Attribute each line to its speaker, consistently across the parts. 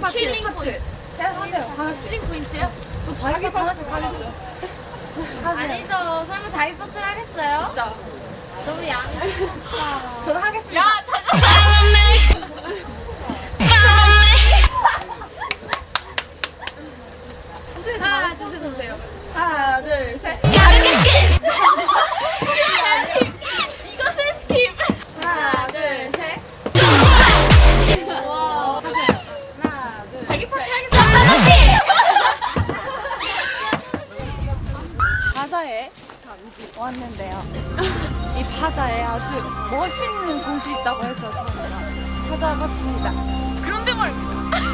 Speaker 1: 힐링 포인트.
Speaker 2: 하세요. 하나씩.
Speaker 1: 힐링 포인트요?
Speaker 2: 또 자기 하나씩 하겠죠.
Speaker 3: 아니죠. 설마 자기 파트를 하겠어요?
Speaker 1: 진짜.
Speaker 3: 너무 양심없다.
Speaker 2: 저는 하겠습니다.
Speaker 1: 야, 찾았어. 하나, 둘, 셋, 주세요.
Speaker 2: 하나, 둘, 셋.
Speaker 1: 이것은 스킵.
Speaker 2: 하나, 둘, 셋.
Speaker 1: 와.
Speaker 2: 하나, 둘,
Speaker 1: 자기 파트
Speaker 2: 셋. 바다에 왔는데요. 이 바다에 아주 멋있는 곳이 있다고 해서 저희가 찾아봤습니다.
Speaker 1: 그런데 말입니다.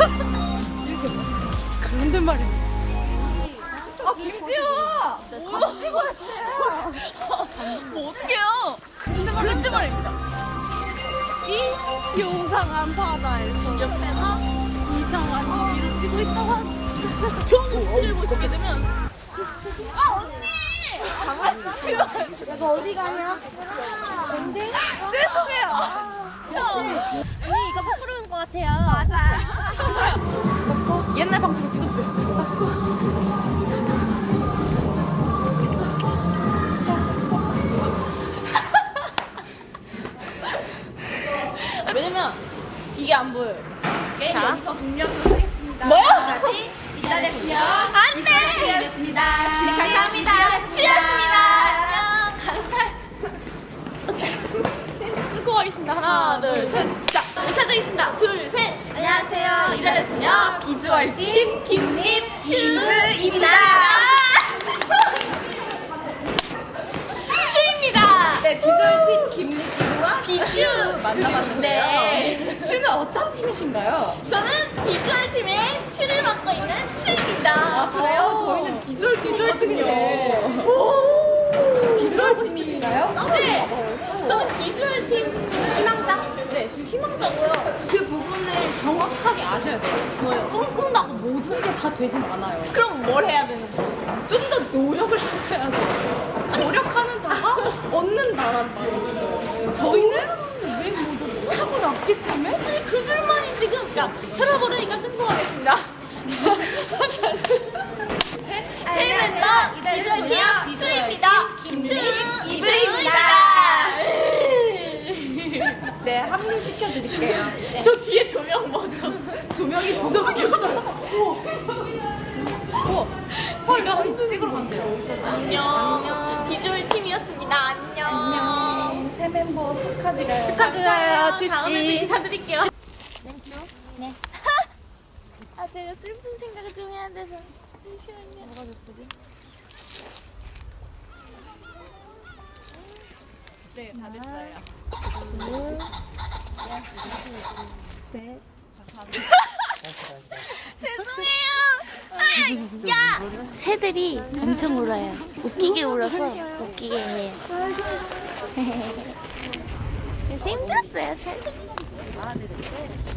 Speaker 2: 그런데 말입니다. 아, 김지호! 찍고 왔어요.
Speaker 1: 뭐 어떡해요? 그런데 말입니다.
Speaker 2: 이 요상한 바다에서
Speaker 1: 옆에서
Speaker 2: 이상한 일을 뛰고 있다고 합니다.
Speaker 1: 경치를 보시게 되면
Speaker 3: 내가 어디 가냐? 근데
Speaker 2: 죄송해요.
Speaker 3: 언니 이거 부풀어 온것 같아요.
Speaker 2: 맞아. 옛날 방송을 찍었어요.
Speaker 1: 왜냐면 이게 안 보여요.
Speaker 2: 게임
Speaker 1: 자.
Speaker 2: 여기서 종료하도록 하겠습니다.
Speaker 1: 뭐요?
Speaker 3: 까지 기다렸고요.
Speaker 1: 안 돼!
Speaker 3: 기다렸습니다.
Speaker 1: 감사합니다. 취했습니다. 안녕. 끊고 가겠습니다. 하나, 둘, 셋. 자, 인사드리겠습니다. 둘, 셋.
Speaker 3: 안녕하세요.
Speaker 1: 기다렸으며
Speaker 2: 비주얼팀
Speaker 1: 김립
Speaker 3: 슈입니다.
Speaker 1: 슈입니다.
Speaker 2: 네, 비주얼팀 김리키와
Speaker 1: 비슈 만나봤는데
Speaker 2: 슈는 어떤 팀이신가요?
Speaker 1: 저는 비주얼 팀의 슈를 맡고 있는 슈입니다.
Speaker 2: 아, 그래요? 저희는 비주얼 팀인데. 비주얼 팀이신가요?
Speaker 1: 네, 저는 비주얼 팀
Speaker 2: 희망자?
Speaker 1: 네, 지금 희망자고요.
Speaker 2: 그 부분을 정확하게 아셔야 돼요.
Speaker 1: 뭐요?
Speaker 2: 꿈꾼다고 모든 게 다 되진 않아요.
Speaker 1: 그럼 뭘 해야 되는 거예요?
Speaker 2: 좀 더 노력을 하셔야죠. 노력하는 자가 얻는다라는 말이 있어요. 저희는 타고났기 때문에
Speaker 1: 아니, 그들만이 지금 혈압오르니까 끊고 가겠습니다. 새 멤버 비주얼 팀 슈입니다. 김추 이브입니다.
Speaker 2: 네, 합류시켜드릴게요. 네.
Speaker 1: 저 뒤에 조명 뭐죠?
Speaker 2: 조명이 무섭겠어요. 제가 저희 찍으러 간대요.
Speaker 1: 안녕. 비주얼 팀이었습니다. 안녕.
Speaker 2: 새 멤버 축하드려요.
Speaker 3: 축하드려요, 출시.
Speaker 1: 다음에도 인사드릴게요. 네. 아, 제가 슬픈 생각을 좀 해야 돼서. 잠시만요. 뭐가 슬프지? 네, 다 됐어요.
Speaker 2: 네.
Speaker 1: 죄송해요. 아, 야! 새들이 엄청 울어요. 웃기게 울어서 웃기게 해요. 그래서 힘들었어요. 잘.